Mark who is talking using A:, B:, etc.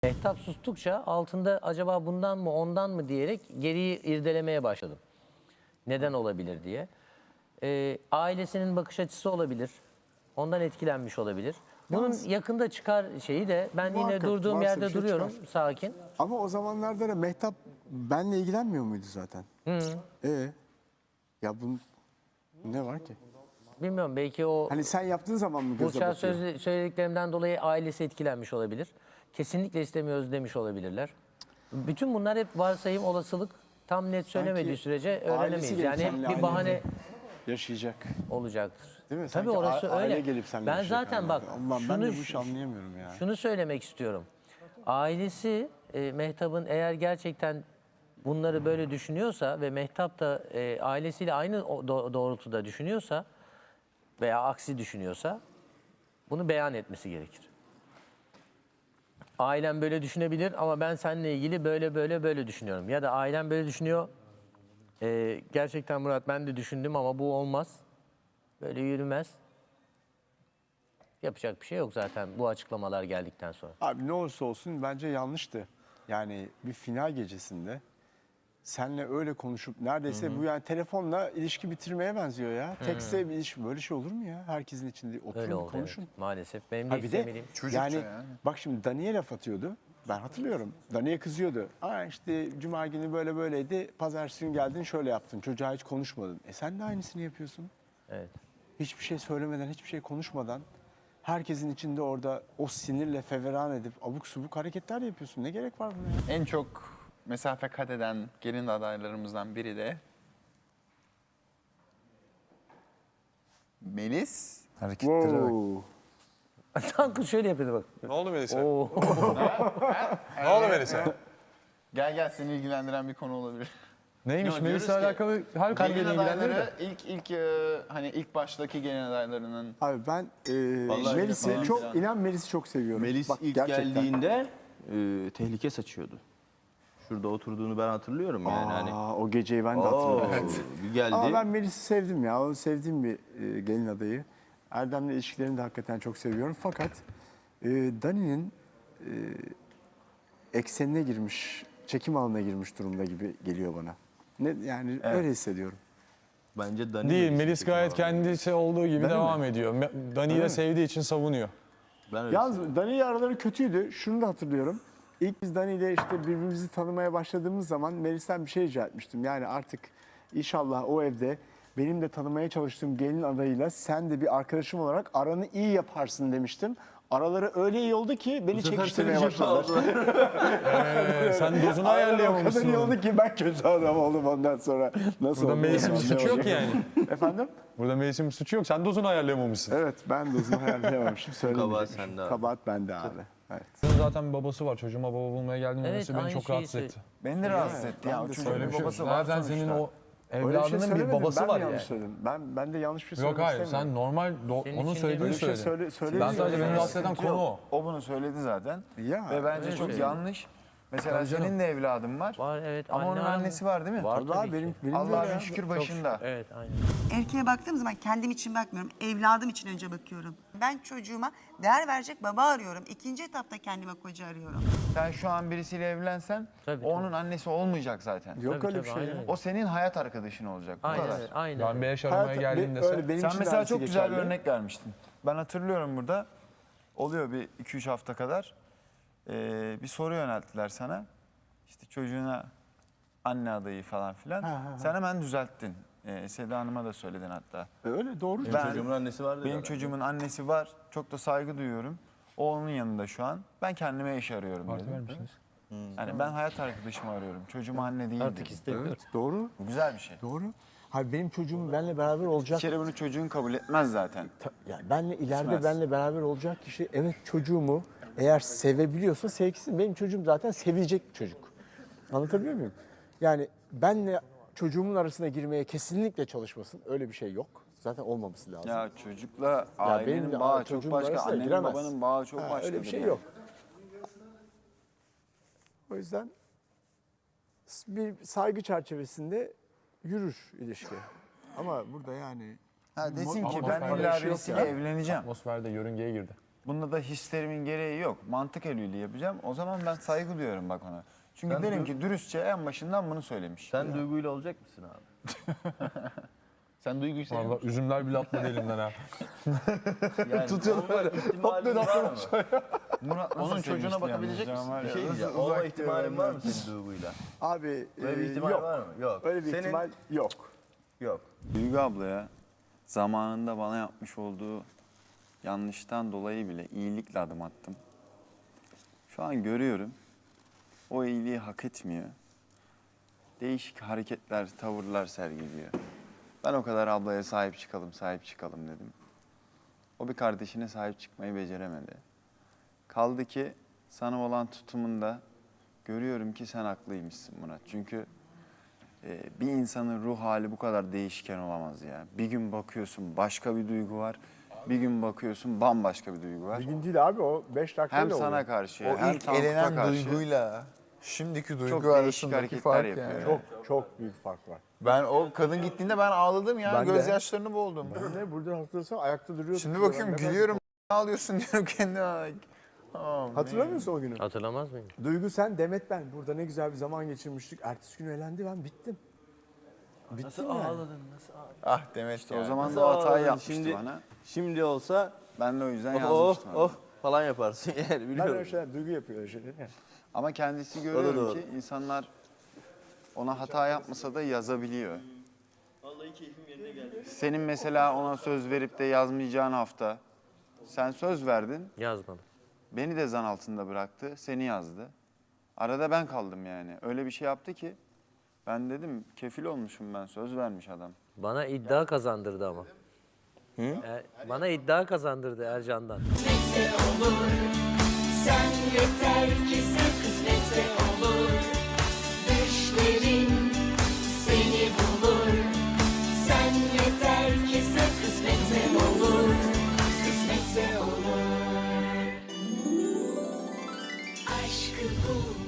A: Mehtap sustukça altında acaba bundan mı ondan mı diyerek geriyi irdelemeye başladım. Neden olabilir diye. Ailesinin bakış açısı olabilir. Ondan etkilenmiş olabilir. Bunun
B: Yalnız-
A: yakında çıkar şeyi de ben yine
B: Muhakkak
A: durduğum
B: varsa
A: yerde
B: bir şey
A: duruyorum
B: çıkar.
A: sakin.
B: Ama o zamanlarda da Mehtap benle ilgilenmiyor muydu zaten? Ya bunun ne var ki?
A: Bilmiyorum belki o
B: Hani sen yaptığın zaman mı göze
A: Burçak'ın
B: batıyor?
A: söylediklerimden dolayı ailesi etkilenmiş olabilir. Kesinlikle istemiyoruz demiş olabilirler. Bütün bunlar hep varsayım, olasılık. Tam net söylemediği sürece
B: ailesi
A: öğrenemeyiz.
B: gelip
A: Yani hep
B: seninle
A: bir
B: aynı
A: bahane
B: evde yaşayacak.
A: olacaktır.
B: Değil mi?
A: Tabii
B: Sanki
A: orası
B: aile
A: öyle.
B: gelip seninle
A: Ben
B: yaşayacak
A: zaten bak
B: anlamda. Allah'ım ben de bu işi anlayamıyorum ya.
A: şunu söylemek istiyorum. Ailesi Mehtap'ın eğer gerçekten bunları böyle düşünüyorsa ve Mehtap da ailesiyle aynı doğrultuda düşünüyorsa veya aksi düşünüyorsa bunu beyan etmesi gerekir. Ailem böyle düşünebilir ama ben seninle ilgili böyle düşünüyorum. Ya da ailem böyle düşünüyor. Gerçekten Murat ben de düşündüm ama bu olmaz. Böyle yürümez. Yapacak bir şey yok zaten bu açıklamalar geldikten sonra.
B: Abi ne olursa olsun bence yanlıştı. Yani bir final gecesinde senle öyle konuşup neredeyse bu yani telefonla ilişki bitirmeye benziyor ya. Tekste bir ilişki böyle şey olur mu ya? Herkesin içinde
A: Öyle
B: oturun
A: oldu
B: konuşun.
A: evet. Maalesef. Benim de
B: Ha bir de
A: istemediğim.
B: yani bak şimdi Dani'ye laf atıyordu. Ben hatırlıyorum. Dani'ye kızıyordu. Aa işte cuma günü böyle böyleydi. Pazartesi günü geldin şöyle yaptın. Çocuğa hiç konuşmadın. Sen de aynısını yapıyorsun.
A: Evet.
B: Hiçbir şey söylemeden, hiçbir şey konuşmadan herkesin içinde orada o sinirle feveran edip abuk subuk hareketler yapıyorsun. Ne gerek var buna ya?
C: En çok mesafe kat eden gelin adaylarımızdan biri de Melis.
D: Hareketlere bak.
A: Tankut şöyle yapıyordu bak.
E: Ne oldu Melisa?
A: Oo.
E: Ne oldu Melisa?
C: Gel seni ilgilendiren bir konu olabilir.
D: Neymiş
C: Yo,
D: Melis'le
C: diyoruz ki,
D: alakalı her konuda
C: Gelin
D: ilgilendirir de.
C: adayları hani ilk baştaki gelin adaylarının
B: Abi ben
C: Vallahi
B: Melis'i
C: falan
B: çok,
C: filan.
B: inan Melis'i çok seviyorum.
F: Melis
B: Bak,
F: ilk
B: gerçekten.
F: geldiğinde tehlike saçıyordu. Şurada oturduğunu ben hatırlıyorum yani. Hani,
B: O geceyi ben de hatırlıyorum.
F: bir geldi.
B: Ama ben Melis'i sevdim ya. O sevdiğim bir gelin adayı. Erdem'le ilişkilerini de hakikaten çok seviyorum. Fakat Dani'nin eksenine girmiş, çekim alanına girmiş durumda gibi geliyor bana. Yani öyle hissediyorum.
F: Bence Dani
D: Değil,
F: Melis'i
D: Melis
F: çekim
D: gayet
F: alanına.
D: kendisi olduğu gibi
B: Dani
D: devam
B: mi?
D: ediyor. Dani'yi de sevdiği için savunuyor.
F: Ben öyle
B: Yalnız Dani ile araları kötüydü. Şunu da hatırlıyorum. İlk biz Dani ile işte birbirimizi tanımaya başladığımız zaman Melis'ten bir şey rica etmiştim. Yani artık inşallah o evde benim de tanımaya çalıştığım gelin adayıyla sen de bir arkadaşım olarak aranı iyi yaparsın demiştim. Araları öyle iyi oldu ki beni çekiştirmeye başladılar.
D: Sen dozunu
B: O kadar
D: ayarlayamamışsın.
B: iyi oldu ki ben kötü adam oldum ondan sonra. Nasıl
D: Burada
B: oldu?
D: Melis'in bir suçu yok yani.
B: Efendim?
D: Burada Melis'in bir suçu yok. Sen dozunu ayarlayamamışsın.
B: Evet ben dozunu ayarlayamamışım.
F: Kabahat sende abi.
B: Kabahat bende abi. Evet.
D: Senin zaten bir babası var. Çocuğuma baba bulmaya geldiğin
A: Evet,
D: olması beni
A: aynı
D: çok
A: şeyi
D: rahatsız etti.
C: beni de rahatsız etti ya.
B: ben
C: O
B: de
C: çocuğun
D: Öyle bir
C: bir
D: şey.
C: babası var
D: Zaten
C: sonuçta.
D: senin o
B: Öyle bir şey
D: evladının bir
B: söylemedim.
D: babası
B: Ben
D: var
B: mi yanlış
D: yani.
B: söyledim? Ben de yanlış bir şey
D: Yok
B: söylemek
D: hayır
B: istemiyorum.
D: sen normal
A: Senin
D: onun
A: için
D: söylediğini
B: öyle bir şey
D: söyle.
B: söyledi.
D: Ben sadece beni rahatsız eden
C: Sıkıntı
D: konu
C: yok.
D: o.
C: O bunu söyledi zaten.
B: Ya,
C: Ve bence
A: öyle
C: çok
A: şey.
C: yanlış. Mesela
D: Tabii canım.
C: senin de evladın var.
A: Var evet.
C: Ama onun
A: anne var mı?
C: annesi var değil mi?
A: Var
B: Tabii
A: tabii
B: abi,
A: ki.
B: benim de öyle
C: Allah'a
B: ya.
C: şükür başında.
A: Evet aynen.
G: Erkeğe baktığım zaman kendim için bakmıyorum. Evladım için önce bakıyorum. Ben çocuğuma değer verecek baba arıyorum. İkinci etapta kendime koca arıyorum.
C: Sen şu an birisiyle evlensen
A: Tabii,
C: o onun annesi olmayacak zaten.
B: Yok
A: Tabii,
B: öyle bir
A: tabii,
B: şey ya.
A: aynen.
C: O senin hayat arkadaşın olacak. Bu
A: Aynen
C: kadar.
A: öyle, aynen.
D: Ben bir eş aramaya
B: Hayat-
D: geldiğinde
B: öyle benim
C: Sen
B: için de
C: mesela
B: aynısı
C: çok güzel bir
B: geçerli.
C: örnek vermiştin. Ben hatırlıyorum burada. Oluyor bir 2-3 hafta kadar. Bir soru yönelttiler sana. İşte çocuğuna anne adayı falan filan. Sen hemen düzelttin. Seda Hanım'a da söyledin hatta.
B: Öyle doğru.
F: Benim çocuğumun annesi var dedi.
C: Benim çocuğumun annesi var. Çok da saygı duyuyorum. O onun yanında şu an. Ben kendime eş arıyorum
D: Parti
C: dedim.
D: vermişsiniz.
C: Yani ben hayat arkadaşımı arıyorum. Çocuğuma anne değil
A: Artık
C: dedim.
A: istemiyorum.
B: Evet, doğru.
C: Bu güzel bir şey.
B: Doğru. Hayır benim çocuğum benimle beraber
C: Bir
B: olacak.
C: kere bunu çocuğun kabul etmez zaten.
B: Yani benle ileride
C: İstemez.
B: benle beraber olacak kişi evet çocuğumu eğer sevebiliyorsa sevgisi benim çocuğum zaten sevecek çocuk. Anlatabiliyor muyum? Yani benle çocuğumun arasına girmeye kesinlikle çalışmasın. Öyle bir şey yok. Zaten olmaması lazım.
C: Ya çocukla
B: benim
C: ailenin
B: de
C: bağı çok
B: çocuğumun
C: başka,
B: arasına
C: annenin
B: giremez.
C: babanın bağı çok başka.
B: Öyle bir şey yok. O yüzden bir saygı çerçevesinde yürür ilişki. Ama burada yani
C: Ha desin ki
D: Ama
C: ben
D: öyle
C: illa
B: bir şey yok
C: birisiyle
B: ya.
C: evleneceğim.
D: Atmosferde yörüngeye girdi.
C: Bunda da hislerimin gereği yok. Mantık eliyle yapacağım. O zaman ben saygı duyuyorum bak ona. Çünkü derim ki dürüstçe en başından bunu söylemiş.
F: Sen duyguyla olacak mısın abi? Sen duyguyu seviyor
D: Valla
F: musun?
D: üzümler bile atladı elimden ha.
F: Yani
D: Tutuyorlar
F: olma
D: böyle.
F: ihtimalin var mı?
C: Murat nasıl
F: Onun çocuğuna
C: sevmişti
F: bakabilecek
C: yalnız
F: misin?
C: ya, var
F: Bir
C: ya.
F: şey diyeceğim.
B: Uzak
F: Olma ihtimalin
B: diyorum
F: var
B: ben.
F: mı senin duyguyla?
B: Abi
F: Böyle bir ihtimal
B: yok.
F: var mı? Yok.
B: Öyle bir
F: Senin-
B: ihtimal yok.
F: Yok.
C: Duygu ablaya zamanında bana yapmış olduğu yanlıştan dolayı bile iyilikle adım attım. Şu an görüyorum. O iyiliği hak etmiyor. Değişik hareketler, tavırlar sergiliyor. Ben o kadar ablaya sahip çıkalım dedim. O bir kardeşine sahip çıkmayı beceremedi. Kaldı ki sana olan tutumunda görüyorum ki sen haklıymışsın Murat. Çünkü bir insanın ruh hali bu kadar değişken olamaz ya. Bir gün bakıyorsun başka bir duygu var. Bir gün bakıyorsun bambaşka bir duygu var.
B: Bir gün değil abi o 5 dakikayla
C: Hem sana
B: oluyor.
C: karşı
E: O
C: hem
E: ilk
C: Tankut'a
E: elenen
C: karşı
E: duyguyla şimdiki
C: çok
E: duygu
C: değişik
E: arasındaki
C: hareketler
E: fark
C: yapıyor.
E: yani.
C: yani.
B: Çok büyük fark var.
E: Ben o kadın gittiğinde ben ağladım ya.
B: Ben de.
E: Gözyaşlarını boğuldum.
B: Ben de burada hatırlasam ayakta duruyordum.
E: Şimdi bakıyorum gülüyorum. Ne ağlıyorsun diyorum kendime.
B: Hatırlamıyorsun o günü?
A: Hatırlamaz mıyım?
B: Duygu sen, Demet ben. Burada ne güzel bir zaman geçirmiştik. Ertesi gün elendi, ben bittim.
F: Nasıl ağladın? Nasıl ağladın?
E: Ah Demet
C: İşte
E: ya.
C: o zaman
F: Nasıl
C: da o hatayı
F: ağladın?
C: yapmıştı
F: Şimdi-
C: bana.
F: Şimdi olsa
C: Ben de o yüzden
F: oh
C: yazmıştım.
F: oh falan yaparsın yani
B: Ben
F: biliyorum.
B: öyle şeyler, Duygu yapıyor öyle şeyler. Yani.
C: Ama kendisi
F: da
C: görüyorum
F: doğru.
C: ki insanlar ona hata yapmasa da yazabiliyor.
F: Vallahi keyfim yerine geldi.
C: Senin mesela ona söz verip de yazmayacağın hafta sen söz verdin.
A: Yazmadım.
C: Beni de zan altında bıraktı. Seni yazdı. Arada ben kaldım yani. Öyle bir şey yaptı ki ben dedim kefil olmuşum ben. Söz vermiş adam.
A: Bana iddia kazandırdı ama. Bana iddia kazandırdı Ercan'dan.
H: Kısmetse olur. Sen yeter ki sen kısmetse olur. Düşlerin seni bulur. Sen yeter ki sen kısmetse olur. Kısmetse olur. Aşkı bul.